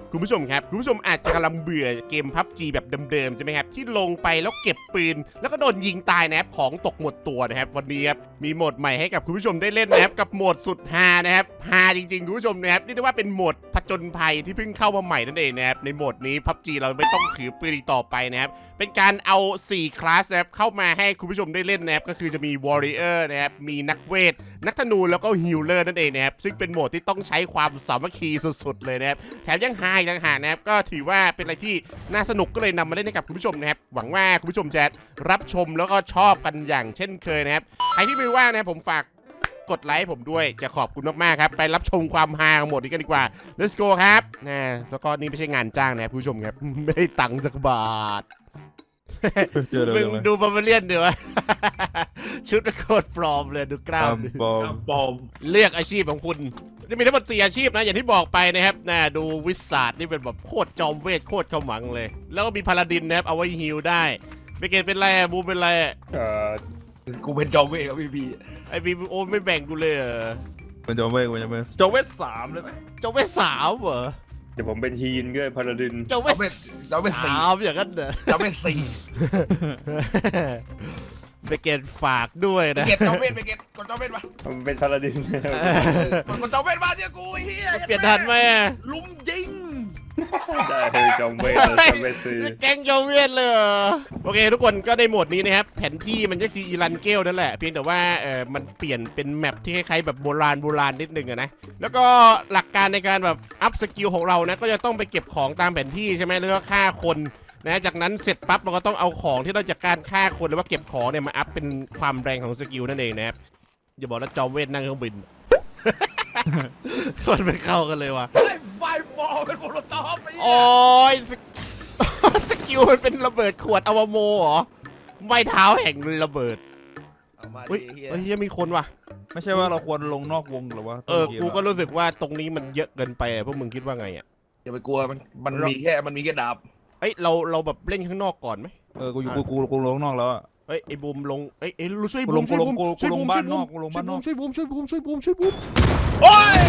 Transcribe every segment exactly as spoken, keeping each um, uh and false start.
คุณผู้ชมครับคุณผู้ชมอาจจะกำลังเบื่อเกม พับจี แบบเดิมๆใช่ไหมครับที่ลงไปแล้วเก็บปืนแล้วก็โดนยิงตายนะครับของตกหมดตัวนะครับวันนี้ครับมีโหมดใหม่ให้กับคุณผู้ชมได้เล่นนะครับกับโหมดสุดฮานะครับฮาจริงๆคุณผู้ชมนะครับเรียกได้ว่าเป็นโหมดผจญภัยที่เพิ่งเข้ามาใหม่นั่นเองนะครับในโหมดนี้ พับจี เราไม่ต้องถือปืนอีกต่อไปนะครับเป็นการเอาสี่คลาสนะครับเข้ามาให้คุณผู้ชมได้เล่นนะครับก็คือจะมี Warrior นะครับมีนักเวทนักธนูแล้วก็ฮีลเลอร์นั่นเองนะครับซึ่งเป็นโหมดที่ต้องใช้ความสามัคคีสุดๆเลยนะครับแถมยังฮาอีกต่างหากนะครับก็ถือว่าเป็นอะไรที่น่าสนุกก็เลยนำมาเล่นให้กับคุณผู้ชมนะครับหวังว่าคุณผู้ชมจะรับชมแล้วก็ชอบกันอย่างเช่นเคยนะครับใครที่ไม่ว่างนะครับผมฝากกดไลค์ผมด้วยจะขอบคุณมากๆครับไปรับชมความฮาของโหมดนี้กันดีกว่า let's go ครับนะแล้วก็นี่ไม่ใช่งานจ้างนะครับคุณผู้ชมครับไม่ได้ตังค์สักบาทมึงดูบาร์เบเลียนเดี๋ยวชุดโคตรปลอมเลยดูกล้ามปลอมปลอมเลือกอาชีพของคุณจะมีทั้งหมดสี่อาชีพนะอย่างที่บอกไปนะครับนะดูวิสาดนี่เป็นแบบโคตรจอมเวทโคตรขมังเลยแล้วก็มีพาลาดินนะครับเอาไว้ฮีลได้เบเกตเป็นไรบูเป็นไรเออกูเป็นจอมเวทครับพี่พีไอพีโอไม่แบ่งกูเลยเหรอเป็นจอมเวทเป็นจอมเวทจอมเวทสามเลยไหมจอมเวทสามเหรอเดี๋ยวผมเป็นฮีนก็พาราดินจอมเวทจอมเวทสามอย่างนั้นเหรอจอมเวทสี่เบเกตฝากด้วยนะเบเกตจอมเวทเบเกตกดจอมเวทมาผมเป็นพาราดินกดจอมเวทมาเจ้ากูไอ้เหี้ยเปลี่ยนทันไหมลุมยิงได้เลยจอมเวทจอมเวทสี่แกงจอมเวทเลยโอเคทุกคนก็ได้โหมดนี้นะครับแผนที่มันก็คืออีรันเกลนั่นแหละเพียงแต่ว่าเออมันเปลี่ยนเป็นแมปที่คล้ายๆแบบโบราณโบราณนิดนึงนะแล้วก็หลักการในการแบบอัพสกิลของเรานะก็จะต้องไปเก็บของตามแผนที่ใช่ไหมแล้วก็ฆ่าคนนะจากนั้นเสร็จปั๊บเราก็ต้องเอาของที่เราจากการฆ่าคนหรือว่าเก็บของเนี่ยมาอัพเป็นความแรงของสกิลนั่นเองนะครับอย่าบอกว่าจอมเวทนั่งเครื่องบินคนไปเข้ากันเลยว่ะไฟบอลเป็นโมโลตอฟโอ้ยสกิลมันเป็นระเบิดขวดอวโมเหรอไม้เท้าแห่งระเบิดเฮ้ยเฮ้ยมีคนว่ะไม่ใช่ว่าเราควรลงนอกวงหรือว่าเออกูก็รู้สึกว่าตรงนี้มันเยอะเกินไปพวกมึงคิดว่าไงอ่ะอย่าไปกลัวมันมันมีแค่มันมีแค่ดาบเอ้ยเราเราแบบเล่นข้างนอกก่อนไหมเออกูอยู่กูกูกูลงนอกแล้วอ่ะเอ้ยไอ้บูมลงเอ้ยเอ้ยช่วยบูมช่วยบูมช่วยบูมช่วยบูมช่วยบูมช่วยบูมช่วยบูมช่วยบูมช่วยบูมโอ้ย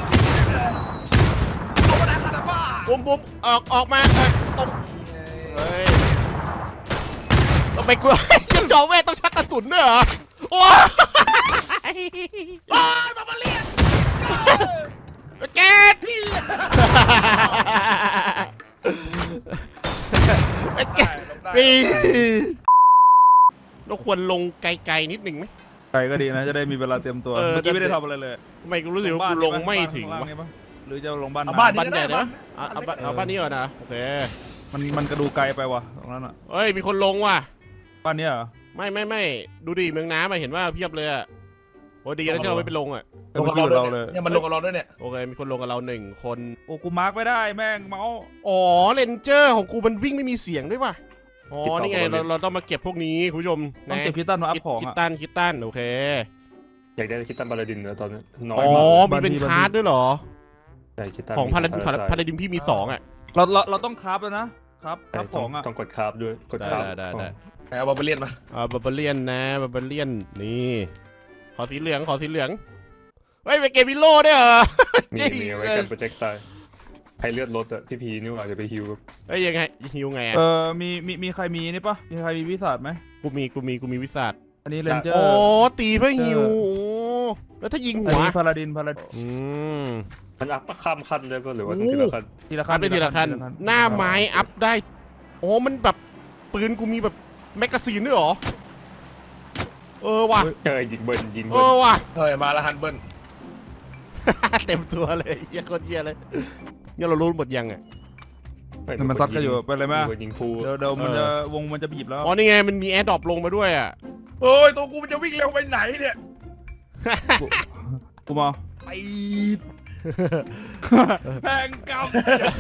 บูมบูมออกออกมาตรงเฮ้ยต้องไปกลัวจะจอเวทต้องชักกระสุนด้วยเหรอโอ้ยโอ้ยมาเรียนเกตปีเราควรลงไกลๆนิดหนึ่งไหมไกลก็ดีนะจะได้มีเวลาเตรียมตัวเมื่อกี้ไม่ได้ทำอะไรเลยไม่กูรู้สึกว่ากูลงไม่ถึงวะหรือจะลงบ้านบ้านใหญ่นะเอาเอาบ้านนี้ก่อนนะโอเคมันมันกระดูไกลไปว่ะตรงนั้นอ่ะเฮ้ยมีคนลงว่ะบ้านนี้เหรอไม่ไม่ไม่ดูดิเมืองน้ำมาเห็นว่าเพียบเลยอ่ะโอ้ดีแล้วที่เราไม่ไปลงอ่ะลงกับเราเลยเนี่ยมันลงกับเราด้วยเนี่ยโอเคมีคนลงกับเราหนึ่งคนโอ้กูมาร์กไม่ได้แม่งเมาส์อ๋อเลนเจอร์ของกูมันวิ่งไม่มีเสียงด้วยว่ะอ๋อนี่ไงเราเราต้องมาเก็บพวกนี้คุณผู้ชมต้องเก็บคิตตันมาอัพของคิตตันคิตตันโอเคอยากได้คิตตันพาราดินนะตอนนี้น้อยอ๋อมีเป็นคาร์ดด้วยเหรอของพาราดินพาราดินพี่มีสองอ่ะเราเราเราต้องคราฟแล้วนะครับคราฟของอ่ะต้องกดคราฟด้วยกดคราฟได้ได้ได้เอาบาร์เบเลียนมาเอาบาร์เบเลียนนะบาร์เบเลียนนี่ขอสีเหลืองขอสีเหลืองเฮ้ยไปเกมวิโล่ด้วยเหรอมีมีไว้กันโปรเจกต์ตายให้เลือดลดอะพี่พีนี่ว่าจะไปฮิวเอ้ยยังไงฮิวไงเออมีมีมีใครมีนี่ปะมีใครมีวิสัทไหมกูมีกูมีกูมีวิสัทอันนี้เรนเจอร์โอ้ตีเพื่อฮิวแล้วถ้ายิงหัวพาราดินพาราดินอืมมันอัพข้ามขั้นได้ป่ะหรือว่าต้องทีละขั้นทีละขั้นไปทีละขั้นหน้าไม้อัพได้โอ้มันแบบปืนกูมีแบบแมกกาซีนด้วยหรอเออว่ะเฮ้ยยิงเบิร์นยิงเออว่ะเฮ้ยมาละฮันเบิร์นเต็มตัวเลยเยี่ยโคตรเยี่ยเลยเนี่ยเรารู้หมดยังไงมันซัดกันอยู่ไปเลยไหมยิงฟูเดี๋ยวเดี๋ยวมันจะวงมันจะบีบแล้วอ๋อนี่ไงมันมีแอร์ดรอปลงมาด้วยอ่ะโอ้ยตัวกูมันจะวิ่งเร็วไปไหนเนี่ยกูมาไปแห่งกรรม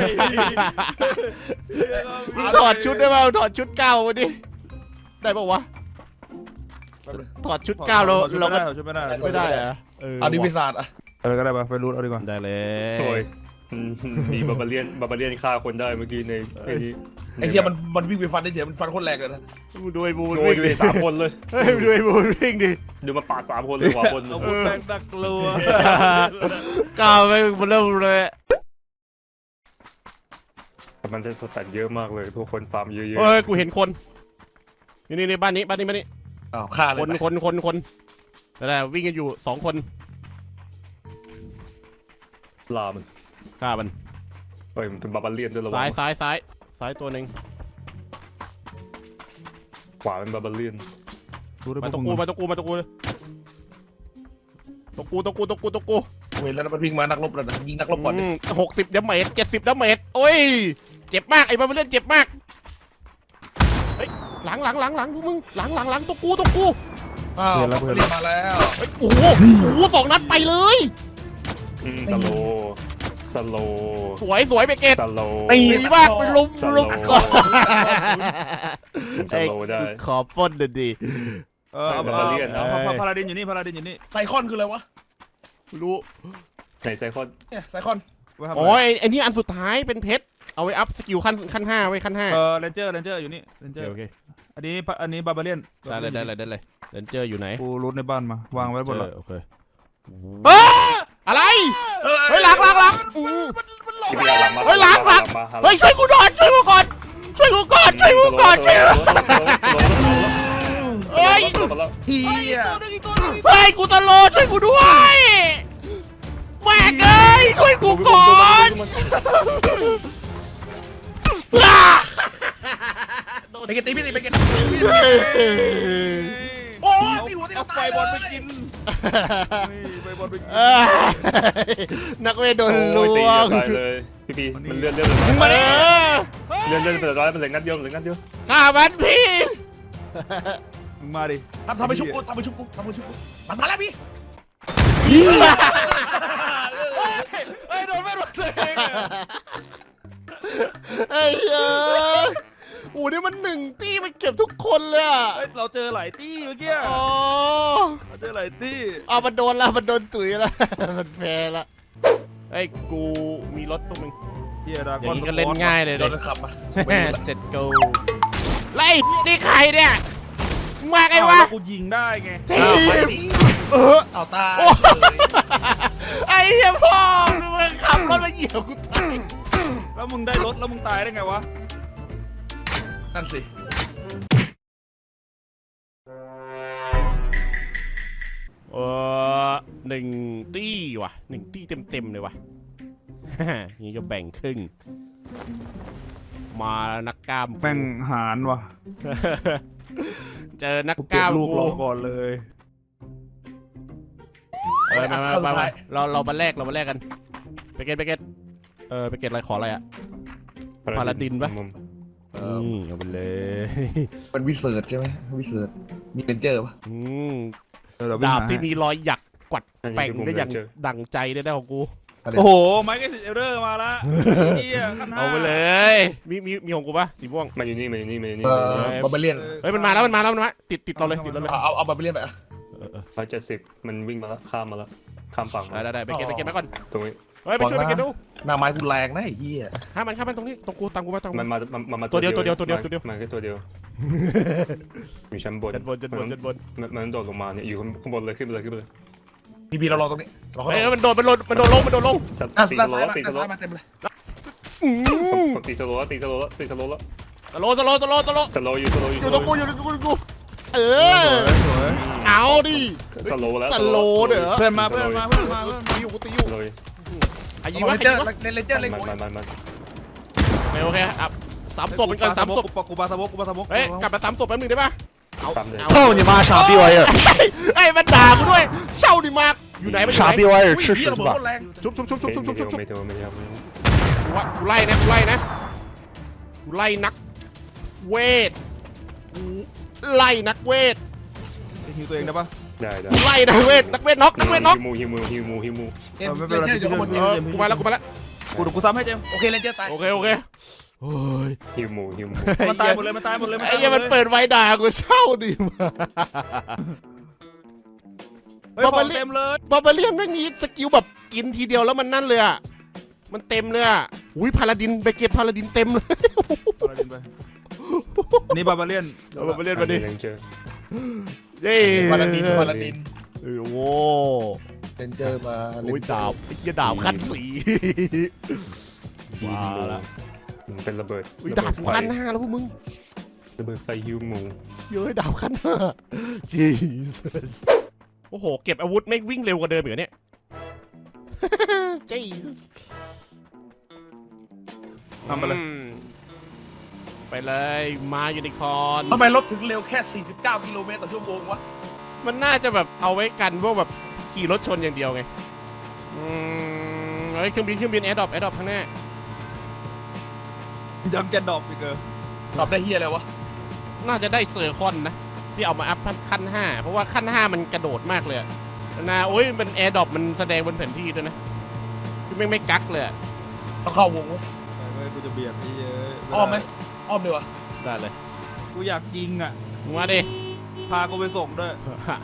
ถอดชุดได้ป่าวถอดชุดเก้าวันนี้ได้ป่าววะถอดชุดเก้าเราเราก็ไม่ได้ไม่ได้อะเอาดิวิซาร์อะเออก็ได้ป่ะไปรูดเอาดีกว่าได้เลยมีบาบาเลียนบาบาเลียนฆ่าคนได้เมื่อกี้ในไอ้ที่ไอ้เหี้ยมันมันวิ่งไปฟันได้เฉยมันฟันคนแรงเลยนะดูไอ้บูนวิ่งดิสามคนเลยเฮ้ยดูไอ้บูนวิ่งดิดูมาปาดสามคนเลยกว่าคนเอาบูนแบงตักลัวก้าวไปบนเริ่มเลยมันจะสแตทเยอะมากเลยทุกคนฟาร์มเยอะเฮ้ยกูเห็นคนนี่นี่นี่บ้านนี้บ้านนี้บ้านนี้ๆอ้าวฆ่าเลคยนคนคนคนนั่นแหละวิ่งกันอยู่สองคนลามันฆ่ามันเฮ้ยมันเป็นบาบาเลียนด้วยระวัซ้ายงซ้ายซ้ายซ้ายตัวหนึ่งขวาเป็นบาบาเลียนดูได้มาปะตรงกูมาตรงกูมาตรงกูเลยตรงกูตรงกูตรงกูตรงกูเว้ยแล้วมันวิ่งมานักรบแล้วนะยิงนักรบก่อนดิหกสิบดาเมจเจ็ดสิบดาเมจโอ้ยเจ็บมากไอ้บ้าเล่นเจ็บมากเฮ้ยหลังหลังหลังหลังพวกมึงหลังหลังหลังตรงกูตรงกูอ้าวบาบาเลียนมาแล้วเฮ้ยโอ้โหโอ้โหสองนัดไปเลยอืมสโลสโลสวยสวยไปเกตสโลดีมากไปลุมสโลลุมก่อนสโลได้ขอปล้นหน่อยดิเออเอาบาบาเลียนเอาเอาพาราดินอยู่นี่พาราดินอยู่นี่ไซคอนคืออะไรวะรู้ไหนไซคอนเนี่ยไซคอนไว้ทำโอ้ยไอ้นี่อันสุดท้ายเป็นเพชรเอาไว้อัพสกิลขั้นขั้นห้าไว้ขั้นห้าเออเรนเจอร์เรนเจอร์อยู่นี่เรนเจอร์โอเคอันนี้อันนี้บาบาเลียนได้เลยได้เลยได้เลยเรนเจอร์อยู่ไหนกูรูทในบ้านมาวางไว้บนหลังโอเคเฮ้ยอะไรเฮ้ยหลังหลังหลังอืมที่พี่เอาหลังมาเฮ้ยหลังหลังมาเฮ้ยช่วยกูหน่อยช่วยกูก่อนช่วยกูก่อนช่วยกูก่อนช่วยกูเฮ้ยเฮียเฮ้ยกูตะโลช่วยกูด้วยแม่งเอ้ยช่วยกูก่อนอ่าไปเก็ตตีพี่ตีไปเก็ตเฮ้ยโอ้ยเอาพี่หัวตีเอาไฟบอลไปกินไฟบอลไปกินเอ้ยนักเวทโดนลโอ้ยตีวงตายเลยพี่พี่มันเลื่อนเลื่อนมึงมาดิเลื่อนเลื่อนเป็นร้อยเป็นเหล็กนัดเดียวเหล็กนัดเดียวฆ่ามันพี่มึงมาดิทำทำไปชุบกูทำไปชุบกูทำไปชุบกูมันมาแล้วพี่เฮ้ยโดนไม่โดนตัวเองอะไอ้เหี้ยโอ้นี่มันหนึ่งตี้มันเก็บทุกคนเลยอ่ะเฮ้ยเราเจอหลายตี้เมื่อกี้อ๋อเราเจอหลายตี้เอามันโดนละมันโดนตุ๋ยละ มันแฟร์ละไอ้ยกูมีรถตรงนึงเฮียดาอย่างนี้ก็เล่นง่ายเลยโดเลยนขับมาเจ็ดโกไล่นี่ใครเนี่ยมาไงไอ้วะกูยิงได้ไงทีเอาไปมดิเออเอาตายไอ้เหี้ยพ่อมึงขับรถมาเหยียบกูตายแล้วมึงได้รถแล้วมึงตายได้ไงวะนั่นสิเออหนึ่งตี้ว่ะหนึ่งตี้เต็มเต็มๆเลยว่ะ นี่จะแบ่งครึ่ง มานักกล้ามแม่งหารว่ะเจอนักกูกเก็บล้ามลูกรอก่อนเลยเออมามามามาเราเรามาแลกเรามาแลกกันไปเกตไปเกตเออไปเกตอะไรขออะไรอ่ะ พาราดินปะ อืมเอาไปเลยเป็นวิเศษใช่ไหมวิเศษมีเรนเจอร์ปะอืมเดี๋ยวเราดาบวิ่งหที่มีรอยหยักกวัดอันนี้แป่งคือผมได้อย่างเจอดั่งใจได้ได้ของกูโอ้โหไมค์ก็เอเรอร์มาละเฮียขั้นห้าเอาไปเลย มีมีมีของกูปะสีม่วงมันอยู่นี่มันอยู่นี่มันอยู่นี่เออบาบาเลียนเฮ้ยมันมาแล้วมันมาแล้วมันมาติดติดเราเลยติดเราเลยเอาเอาเอาบาบาเลียนไปอ่ะเออเออร้อยเจ็ดสิบมันวิ่งมาแล้วข้ามมาแล้วข้ามฝั่งได้มาได้ได้ไปเก็ตไปเก็ตมาก่อนตรงนี้เฮ้ยไปช่วยไปเก็ตดูหน้าไม้กูแรงนะไอ้เหี้ยห้ามมันห้ามมันตรงนี้ตรงกูตามกูมาตามกูมันมามามันมาตัวเดียวตัวเดียวตัวเดียวตัวเดียวมันแค่ตัวเดียวอยู่ชั้นบนจันบนจันบนจันบนมันมันโดดลงมาเนี่ยอยู่ข้างบนเลยขึ้นไปเลยขึ้นไปเลยพี่พีเรารอตรงนี้รอเขาเฮ้ยมันโดดมันโดดมันโดดลงมันโดดลงตีสโลว์ตีสโลว์มาเต็มเลยอืมตีสโลว์ตีสโลว์ตีสโลว์แล้วสโลว์สโลว์สโลว์สโลว์สโลว์อยู่สโลว์อยู่อยู่ตรงกูอยู่ตรงกูอยู่ตรงกูเออสวยเอาดิสโลว์แล้วสโลว์เด้อเพื่อนมาเพื่อนมาเพื่อนมาเพื่อนตีอยู่กูตีอยู่เลยอายิยิงงวะเลนเจอร์ยิงวะเลนเจอร์เลยมันกูมันมันมันโอเคอ่ะสามศพเป็นกันสามศพกูปาสมกกูปาสมกเฮ้ยกลับมาสามศพแป๊บนึงได้ปะเอาตามเลยเอา操你妈！傻逼玩意儿， ไอ้ยมันด่ากูด้วยเช่าดิมากอยู่ไหนมันอยู่傻ไหน逼玩意儿， อุ้ย吃เฮี屎ยระ去เบิด吧โคตรแรงชุบชุบชุบชุบชุบชุบชุบชุบไม่ถูกไม่ถูกไม่ถูกกูว่ากูไล่นะกูไล่นะกูไล่นักเวทกูไล่นักเวทฮิวตัวเองได้ปะได้ได้กูไล่นักเวทนักเวทน็อกนักเวทน็อกฮิมูฮิมูฮิมูฮิมูเกมเลนเจอร์อยู่ข้างบนเออกูมาแล้วกูมาแล้วกูกูซ้ำให้เจมโอเคเลนเจอร์ตายโอเคโอเคโอ้ยฮิมูฮิมูมันตายหมดเลยมันตายหมดเลยไอ้เหี้ยมันเปิดไว้ด่ากูเช่าดิมากเฮ้ยของเต็มเลยบาบาเลียนไม่มีสกิลแบบกินทีเดียวแล้วมันนั่นเลยอ่ะมันเต็มเลยอ่ะอุ้ยพาลาดินเบเกตพาลาดินเต็มเลยนี่บาบาเลียนเอาบาบาเลียนมาดิเจอเย้พาราดินพาราดินเออโว้เลนเจอร์มาโอ้ยดาบไอ้เหี้ยดาบขั้นสีว้าละมันเป็นระเบิดอุ้ยระดาเบิบดไฟขั้นห้าแล้วพวกมึงระเบิดไฟฮิวหมูเย้ยดาบขั้นห้า Jesus โอ้โหเก็บอาวุธไม่วิ่งเร็วกว่าเดิมเหรอเนี่ย Jesus ทำไปเลยอืมไปเลยมายูนิคอร์นทำไมรถถึงเร็วแค่สี่สิบเก้ากิโลเมตรต่อชั่วโมงวะมันน่าจะแบบเอาไว้กันพวกแบบขี่รถชนอย่างเดียวไงอืมเฮ้ยเครื่องบินเครื่องบินแอร์ดรอปแอร์ดรอปข้างหน้ายังจะดรอปอีกเออตอบได้เฮียอะไรวะน่าจะได้เซอร์คอนนะที่เอามาอัพขั้นห้าเพราะว่าขั้นห้ามันกระโดดมากเลยอะนะโอ้ยมันแอร์ดรอปมันแสดงบนแผนที่ด้วยนะคือไม่ไม่กักเลยอะต้องเข้าวงวะไปเว้ยกูจะเบียดไอ้เหี้ยอ้อมไหมอ้อมดีวะได้เลยกูอยากยิงอ่ะมึงมาดิพากูไปส่งด้วย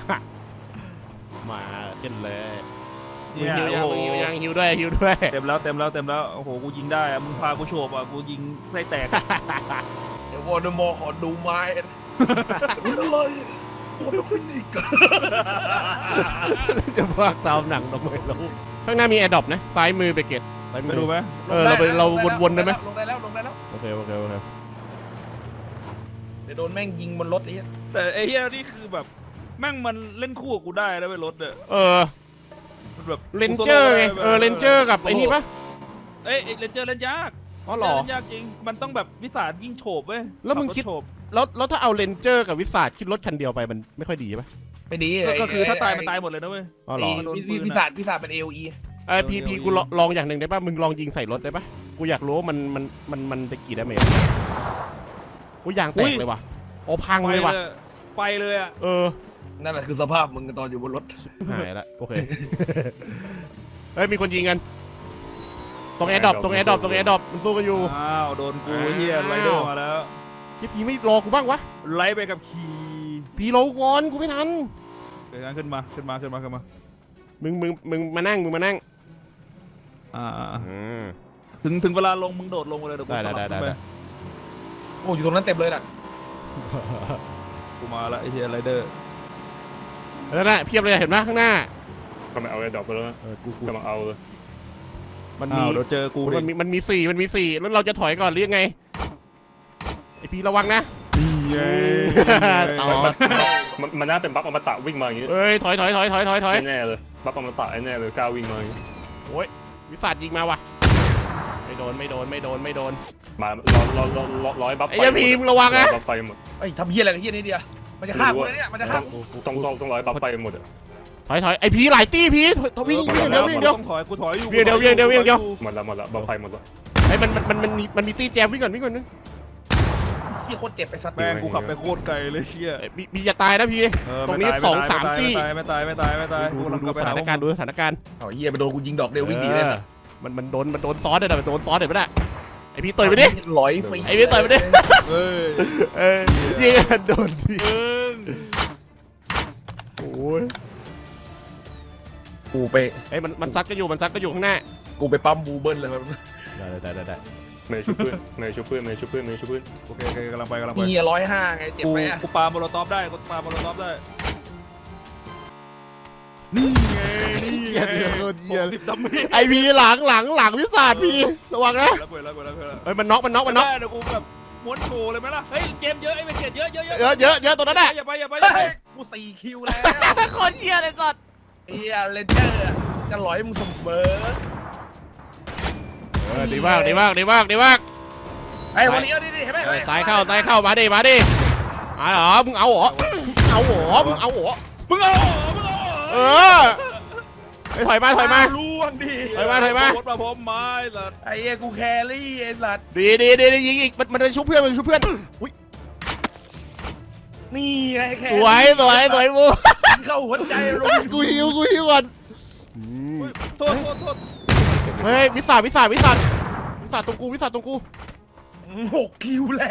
มาเช่นเลยมึงเนี่ยหิวยังโอ้มึงโหหิวยังหิวด้วยหิวด้วยเต็มแล้วเต็มแล้วเต็มแล้วโอ้โหกูยิงได้อะมึงพากูโฉบอ่ะกูยิงไส้แตกเดี๋ยววอร์ดมอร์ขอดูไม้เป็นอะไรคนละฟินิกจะพากตามหนังทำไมเราข้างหน้ามีแอร์ดรอปนะซ้ายมือไปเก็ตซ้ายมืไปอดูไหมเออเราไปเราวนๆได้ไหมลงได้แล้วลงได้แล้วโอเคโอเคโอเคเดี๋ยวโดนแม่งยิงบนรถไอ้เหี้ยแต่ไอ้เหี้ยนี่คือแบบแม่งมันเล่นคู่กับกูได้แล้วไปรถเนี่ยเออมันแบบเรนเจอร์ไงเออเรนเจอร์กับไอ้นี่ปะเอ้ยเรนเจอร์เล่นยากอ๋อเหรอเล่นยากจริงมันต้องแบบวิสายิ่งโฉบเว้ยแล้วมึงคิดขับรถโฉบแล้วแล้วถ้าเอาเรนเจอร์กับวิสาดคิดรถคันเดียวไปมันไม่ค่อยดีปะไม่ดีก็ก็คือถ้าตายมันตายหมดเลยนะเว้ยอ๋อเหรอโดนปืพี่นอะพิศาจพิศาจเป็นเอลีเออพีพีกูลองลองอย่างหนึ่งได้ปะมึงลองยิงใส่รถได้ปะกูอยากรู้ว่ามันมันมันมันได้กี่ดาเมจกูยางแตกเลยว่ะโอ้พังไปเลยว่ะเลยไปเลยอ่ะเออนั่นแหละคือสภาพมึงตอนอยู่บนรถหายละโอเค เฮ้ยมีคนยิงกัน ตรงแอร์ดรอปตรงแอร์ดรอปตรงแอร์ดรอปมันสู้กันอยู่อ้าวโดนกูเฮียไรเดอร์มาแล้วพี่พีไม่รอกูบ้างวะไล่ไปกับขี่พีรอกูก่อนกูไม่ทันเดี๋ยวงั้นขึ้นมาขึ้นมาขึ้นมาขึ้นมามึงมึงมึงมานั่งมึงมานั่งอ่าอืมถึงถึงเวลาลงมึงโดดลงไปเลยเดี๋ยวกูได้สลับได้ขึ้นไปได้โอ้อยู่ตรงนั้นเต็มเลยน่ะกูมาละไอ้เฮียไรเดอร์แล้วน่ะเพียบเลยเห็นไหมข้างหน้าก็ไม่เอาไอ้ดอกไปแล้วนะเออกูกูกำลังเอาเลยมันมีอ้าวเดี๋ยวเจอกูดิมันมีมันมีสี่มันมีสี่แล้วเราจะถอยก่อนหรือยังไงไอพีระวังนะเย้ต่อมันมันน่าเป็นบัฟอมตะวิ่งมาอย่างนี้เอ้ยถอยถอยถอยถอยถอยถอยแน่ๆเลยบัฟอมตะแน่ๆเลยกล้าวิ่งมาอย่างนี้โอ้ยวิสัทยิงมาว่ะไม่โดนไม่โดนไม่โดนไม่โดนมารอรอรอรอร้อยบัฟไอ้เหี้ยพีมึงระวังนะบัฟไปหมดไอ้ยทำเฮียอะไรกับเฮียนี่เดียวมันจะฆ่ากูนะเนี่ยมันจะฆ่ากูต้องต้องต้องร้อยบัฟไปหมดอะถอยถอยไอพีหลายตี้พีถอยวิ่งวิ่งอย่างเดียววิ่งอย่างเดียวต้องถอยกูถอยอยู่เดี๋ยวเดี๋ยวเดี๋ยวเดี๋ยวเดี๋ยวหมดแล้วหมดแล้วบัฟไปหมดแล้วไอมันมันมันมันมีมันมีตี้แจมวิ่งก่อนวิ่งก่อนนึงเฮียโคตรเจ็บไปสัตว์แม่งกูขับไปโคตรไกลเลยเฮียเอ้ยมีมีจะตายนะพีเออตรงนี้ไม่ตายสองไม่ตยสามตี้ไม่ตายไม่ตายไม่ตายไม่ตายดูกูกำลังดูกลับไปสหาถานการณ์ดูสถานการณ์เอาเฮียไปโดนกูยิงดอกเดียววิ่งหนีเลยสัตว์มันมันโดนมันโดนซ้อนเลยนะมันโดนซ้อนเดี๋ยวไม่ได้ไอพีต่อยไปดิร้อยฟรีไอ้พี่ต่อยไปดิเฮ้ยเออยิงกันโดนพีเอิงโอ้ยกูไปไอ้ยมันมันซักก็อยู่มันซักก็อยู่ข้างหน้ากูไปปั๊มบูเบิ้ลเลยมันได้ได้ได้ได้เมย์ชุบเพื่อนเมย์ชุบเพื่อนเมย์ชุบเพื่อนเมย์ชุบเพื่อนโอเคโอเคกำลังไปกำลังไปเฮียร้อยห้าไงเจ็บกูไหมอะกูปาโมโลตอฟได้กูปาโมโลตอฟได้นี่ไงนี่เหี้ยไงเดี๋ยวโดนเหี้ยหกสิบดาเมจไอพีหลังหลังหลังวิสาดพีระวังนะแล้วกูแล้วกูแล้วกูแล้วเอ้ยมันน็อกมันน็อกมันน็อกได้เดี๋ยวกูแบบม้วนโชว์เลยไหมล่ะเฮ้ยเกมเยอะไอ้เมเกตเยอะเยอะเยอะเยอะเยอะเยอะตัวนั้นแหละอย่าไปอย่าไปอย่าไปเฮ้ยกูสี่คิวแล้วโคตรเหี้ยเลยสัตว์เฮียเลนเจอร์อะจะร้อยมึงเสมอเออดีมากดีมากดีมากดีมากไอ้วันนี้เอาดิดิเห็นไหมเออซ้ายเข้าซ้ายเข้ามาดิมาดิมาเหรอมึงเอาเหรอเอาเหรอมึงเอาเหรอมึงเอามึงเอาเออไอ้ถอยมาถอยมาล่วงดิถอยมาถอยมาโคตรมาพร้อมไม้สัตว์ไอ้เหี้ยกูแครี่ไอ้สัตว์ดีดีดีดียิงอีกมันมันไปชุบเพื่อนมันชุบเพื่อนอุ้ยนี่ไงแคสวยสวยสวยบูเข้าหัวใจลงกูหิวกูหิวก่อนอืมโทษโทษโทษเฮ้ยวิสาวิสาวิสาวิสาตรงกูวิสาตรงกูหกคิวแล้ว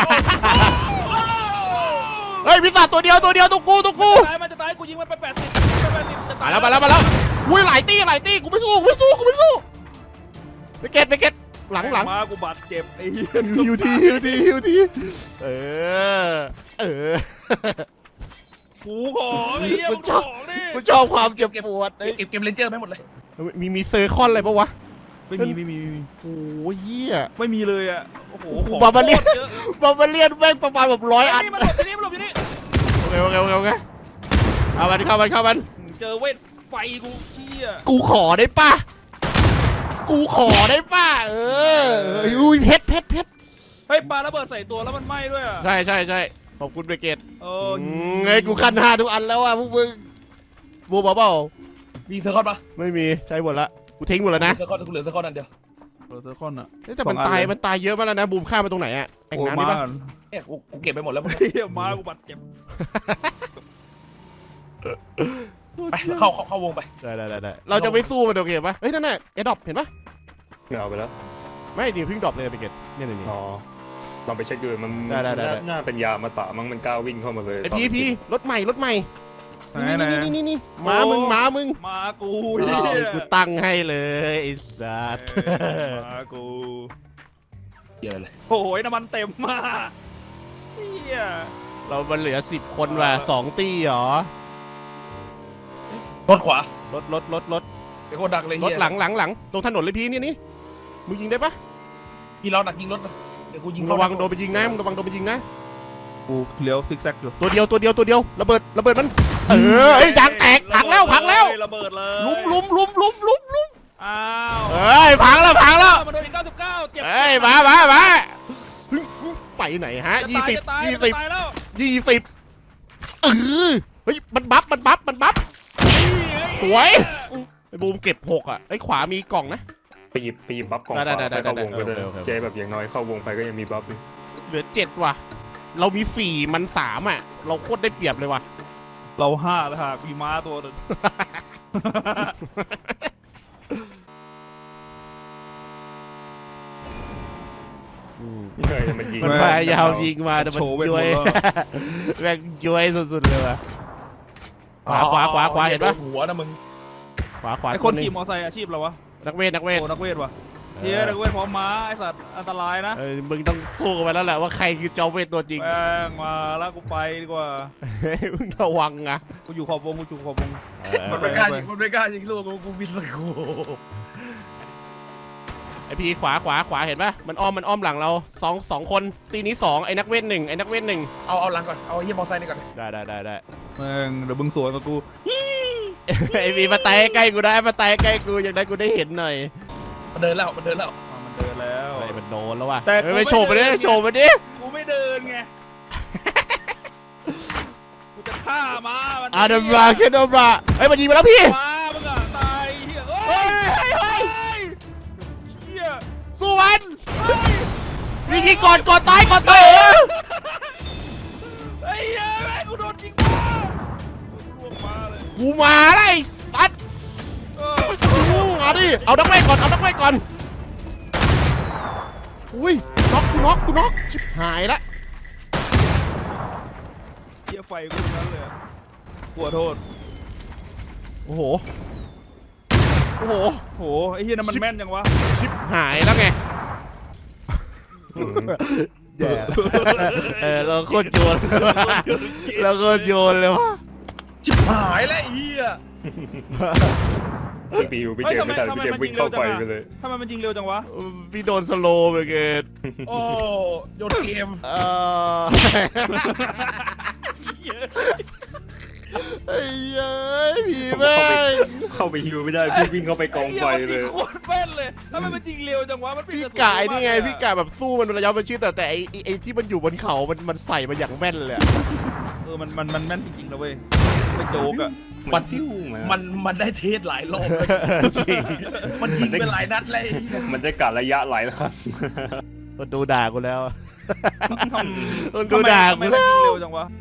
เฮ้ยวิสาตัวเดียวตัวเดียวตรงกูตรงกูตายมันจะตายกูยิงมันไปแปดสิบไปแปดสิบจะตายมาแล้วมาแล้วมาแล้วอุ้ยหลายตี้หลายตี้กูไม่สู้กูไม่สู้กูไม่สู้ไปเก็ตไปเก็ตหลังหลังมากูบาดเจ็บไอ้เหี้ยฮิวทีฮิวทีฮิวทีเออเออกูของไอ้เหี้ยกูมึงชอบของดิกูชอบความเจ็บปวดเก็บเก็บเลนเจอร์ไหมหมดเลยมีมีเซอร์คอนอะไรปะวะไม่มีไม่มีไม่มีโอ้ยเหี้ยไม่มีเลยอ่ะโอ้โหโอ้โหบาบาเลียนโคตเยอะบาบาเลียนแม่งประมาณแบบร้อยอันนี่มันหลบที่นี่มันหลบที่นี่โอเคโอเคโอเคโอเคเอามันเข้ามันเข้ามันเจอเวทไฟกูเชี่ยกูขอได้ป่ะกูขอได้ป่ะเอออุ้ยเพชรเพชรเพชรเฮ้ยปาระเบิดใส่ตัวแล้วมันไหม้ด้วยอ่ะใช่ใช่ใช่ขอบคุณเบเกตโอ้ไงกูคันห้าทุกอันแล้วอ่ะพวกมึงบูบเปล่ามีเซอร์คอนปะไม่มีใช้หมดละกูทิ้งหมดแล้วนะเซอร์คอนกูเหลือเซอร์คอนอันเดียวโรเซอร์คอนอ่ะเอ้ยแต่มันตายมันตายเยอะมากแล้วนะบูมฆ่ามันตรงไหนอะแอ่งน้ำนี่ปะเนี่ยกูกูเก็บไปหมดแล้วมึงเฮียมากูบาดเจ็บไปเข้าเข้าเข้าวงไปได้ได้ได้ได้เราจะไม่สู้มันโอเคปะเฮ้ยนั่นน่ะเอดอปเห็นปะไม่เอาไปแล้วไม่ดิเพิ่งดรอปเลยเบเกตเนี่ยนี่อ๋อลองไปเช็คดูมันได้ได้ได้น่าน่าเป็นยามาตะมั้งมันกล้าวิ่งเข้ามาเลยไอพีพีรถใหม่รถใหม่ไหนไหนนี่นี่นี่ม้ามึงม้ามึงมากูอ้าวเหี้ยกูตั้งให้เลยไอ้สัสเออมากูเยอะเลยโอ้ยน้ำมันเต็มมากเฮียเรามันเหลือสิบคนว่ะสองตีเหรอรถขวารถรถรถรถเดี๋ยวโคตรดักเลยรเฮีถยหลังหลังหลังตรงถนนเลยพี่นี่นี่มึงยิงได้ปะพี่เราดักยิงรถนะเดี๋ยวกูยิงมึงเข้าระวังโดนไปยิงนะมึงระวังโดนไปยิงนะกูเลี้ยวซิกแซกอยู่ตัวเดียวตัวเดียวตัวเดียวระเบิดระเบิดมันเออไอ้ยยางแตกพังแล้วพังแล้วระเบิดเลยลุมลุมลุมลุมลุมลุมอ้าวเอ้ยพังแล้วพังแล้วมันโดนอีกเก้าสิบเก้าเจ็บเอ้ยมามามาไปไหนฮะจะยี่ตายสิบจะตายยี่จะสิบตายแล้วยี่สิบเออเฮ้ยมันบัฟมันบัฟมันบัฟสวยไอ้บูมเก็บหกอ่ะไอ้ขวามีกล่องนะไปหยิบไปหยิบบัฟกองได้ได้ได้ไปเข้าวงได้ก็ได้โอเคโอเคเจแบบอย่างน้อยเข้าวงไปก็ยังมีบัฟอยู่เหลือเจ็ดว่ะเรามีสี่มันสามอ่ะเราโคตรได้เปรียบเลยว่ะเราห้าแล้วฮะมีม้าตัวหนึงเฮ้ยมันยิงมันพยายามยิงมาแต่มันโชว์เวทย้วยมนต์แล้วแม่งย้วยสุดๆเลยว่ะขวาขวาขวาขวาเห็นปะหัวนะมึงขวาขวาไอคคนนหนึขี่งมอไซค์อาชีพเราวะนักเวทนักเวทโอ้นักเวทวะเฮียนักเวทพร้อมม้าไอสัตว์อันตรายนะเออมึงต้องสู้กันไปแล้วแหละว่าใครคือจอมเวทตัวจริงแม่งมาแล้วกูไปดีกว่าเฮ้ยมึงระวังนะกูอยู่ขอบวงกูอยู่ขอบวงมันไม่กล้ายิงมันไม่กล้ายิงลูกกูกูบินสกูไอพีขวาขวาขวาเห็นปะมันอ้อมมันอ้อมหลังเราสองสองคนตีนี้สองไอ้นักเวทหนึ่งไอ้นักเวทหนึ่งเอาเอาหลังก่อนเอาไอ้เฮียมอไซค์นี่ก่อนได้ได้ได้ได้แม่งเดี๋ยวมึงสวนกับกูไอพีมาไต่ใกล้กูได้มาไต่ใกล้กูอย่างนั้นกูได้เห็นหน่อยมันเดินแล้วมันเดินแล้วอ่ะมันเดินแล้วอะไรมันโดนแล้วว่ะแต่เฮ้ยกูไปไม่โชว์ไปดิเดินโชว์ไปดิกูไม่เดินไงกูจะฆ่าม้ามันอาดัมบราแค่ดัมบราเฮ้ยมันยิงมาแล้วพี่ม้ามึงอะตายเฮียเฮ้เฮ้ยยเฮ้ยเฮ้ยเฮียสู้มันนี่ยิงก่อนก่อนตายก่อนตายเออไอ้เหี้ยแม่งกูโดนยิงมาลวงมาเลยกูมาเลยตัดเออเอาดิเอานักเวทก่อนเอานักเวทก่อนอุ้ยน็อกกูน็อกกูน็อกชิบหายละเฮียไฟกูตรงนั้นเลยอะขอโทษโอ้โหโอ้โหโหไอ้เฮียนั่นมันแม่นยังวะชิบหายแล้วไงอืมแย่เออเราโคตรโยนเราโคตรโยนเลยวะชิบหายแล้วไอ้เฮียพี่ปิวพี่เจมไม่ทันพี่เจมวิ่งเข้าไปไปเลยทำไมมันยิงเร็วจังวะพี่โดนสโลว์ไปเกตโอ้โยนเกมเออไอ้เย้ยผีแม่งเข้าไปฮิวไม่ได้พี่วิ่งเข้าไปกองไฟเลยไอ้หี้มันงโคตรแม่นเลยทำไมมันยิงเร็วจังวะมันเป็นพี่ระสุกายนี่ไงเร็วมากเลยอะพี่กายแบบสู้มันระยะประชิดแต่แต่ไอ้ไอ้ไอ้ที่มันอยู่บนเขา มันมันใส่มาอย่างแม่นเลยอะเออมันมันมันแม่นจริงๆนะเว้ยไม่โจ๊กอะมันฟิวมามันมันได้เทสหลายรอบเลยจริงมันยิงไปหลายนัดเลยมันได้กะระยะหลายครั้งมันดูด่ากูแล้วทำมันดูด่าทำไมกูมันแล้ยิงวเร็วจังวะ